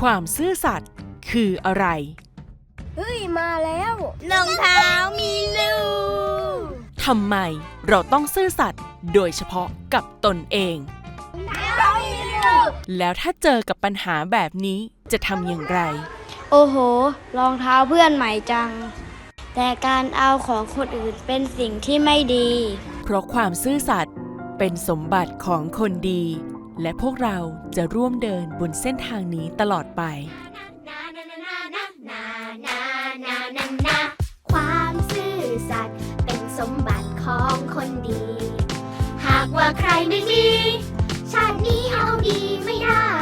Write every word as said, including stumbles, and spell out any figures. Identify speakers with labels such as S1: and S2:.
S1: ความซื่อสัตย์คืออะไร
S2: เฮ้ยมาแล้ว
S3: รองเท้ามีลูก
S1: ทำไมเราต้องซื่อสัตย์โดยเฉพาะกับตนเองแล้วถ้าเจอกับปัญหาแบบนี้จะทำอย่างไร
S2: โอ้โหรองเท้าเพื่อนใหม่จังแต่การเอาของคนอื่นเป็นสิ่งที่ไม่ดี
S1: เพราะความซื่อสัตย์เป็นสมบัติของคนดีและพวกเราจะร่วมเดินบนเส้นทางนี้ตลอดไป
S3: ความซื่อสัตย์เป็นสมบัติของคนดีหากว่าใครไม่ดีชาตินี้เอาดีไม่ได้